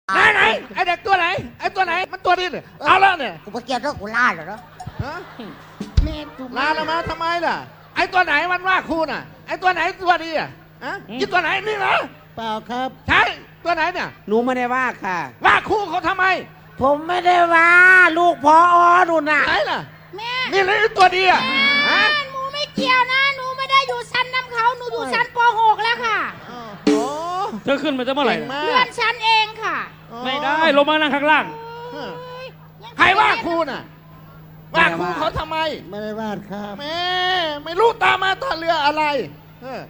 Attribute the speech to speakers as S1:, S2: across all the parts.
S1: ไหนไอเด็กตัวไหนไอตัวไหนมันตัวนี้เนี่ยเอาแล้วเนี่ย
S2: กูไปเกี่ยวด้วยกูล่าเหรอ
S1: ฮะ
S2: แม่กู
S1: ลาละมาทำไมล่ะไอตัวไหนมันว่าครูน่ะไอตัวไหนตัวดีอ่ะฮะยี่ตัวไหนนี่เหรอ
S3: เปล่าครับ
S1: ใช่ตัวไหนเนี่ย
S3: หนูไม่ได้ว่าค่ะ
S1: ว่าครูเขาทำไม
S3: ผมไม่ได้ว่าลูกพอหนูน่ะ
S1: ไหนล่ะ
S2: แม่
S1: นี่เลยตัวดีอ่ะฮะ
S2: หนูไม่เกี่ยวนะหนูไม่ได้อยู่ชั้นน้ำเขาหนูอยู่ชั้นป .6 แล้วค่ะ
S1: โอ้
S4: เธอขึ้นมาจะเมื่อไหร่
S1: เก่งมา
S2: เพื่อก นฉันเองค่ะ
S4: ไม่ได้ลงมานั่งข้างล่าง
S1: เออใครว่าครูน่ะว่าครูเขาทำไม
S3: ไม่ได้ว่าครับ
S1: แม่ไม่รู้ตามมาตาเรืออะไรเออ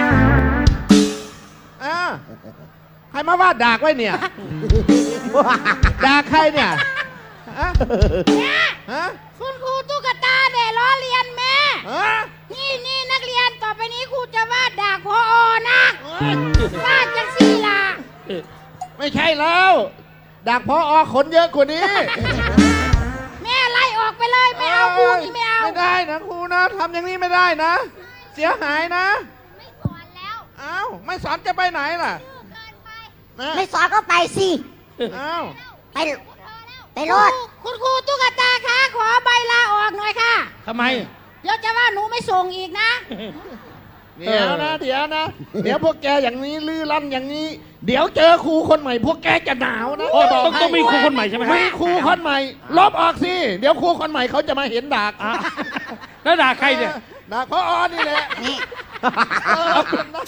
S1: อ้าวใครมาวาดดากไว้เนี่ย ดากใครเนี่ยฮะ
S2: แม่
S1: ฮะ
S2: คุณครูตุ๊กตาเนี่ยล้อเลียนแม่
S1: ฮะ
S2: นี่นักเรียนต่อไปนี้ครูจะวาดด่าพอนะ
S1: เอ้ยว
S2: าดจังสี่ล่ะ
S1: ไม่ใช่แล้วดากพอขนเยอะกว่านี้
S2: แม่ไล่ออกไปเลยไม่เอาครูนี่ไม่เอา
S1: ไม่ได้นะครูนะทำอย่างนี้ไม่ได้นะ เสียหายนะ
S2: ไม่สอนแล้ว
S1: เอ้าไม่สอนจะไปไหนล่ะ
S2: เกินไป
S1: นะ
S2: ไม่สอนก็ไปสิ
S1: เอ้า
S2: ไปรถคุณครูตุ๊กตาคะขอใบลาออกหน่อยค่ะ
S4: ทำไม
S2: เดี๋ยวจะว่าหนูไม่ส่งอีกนะ
S1: เดี๋ยวนะเดี๋ยวพวกแกอย่างนี้ลื้อลั่นอย่างนี้ เดี๋ยวเจอครูคนใหม่ พวกแกจะหนาวนะ
S4: โอ้
S1: จะบก
S4: ต้อง
S1: ให้
S4: มีครูคนใหม่ใช่ไหมครับ
S1: มีครูคนใหม่ ลบออกสิเดี๋ยวครูคนใหม่เขาจะมาเห็นดาก
S4: อ่ะแล้วด่าใครเนี่ย
S1: ดากพอนี่แหละ
S2: นี่
S1: เออ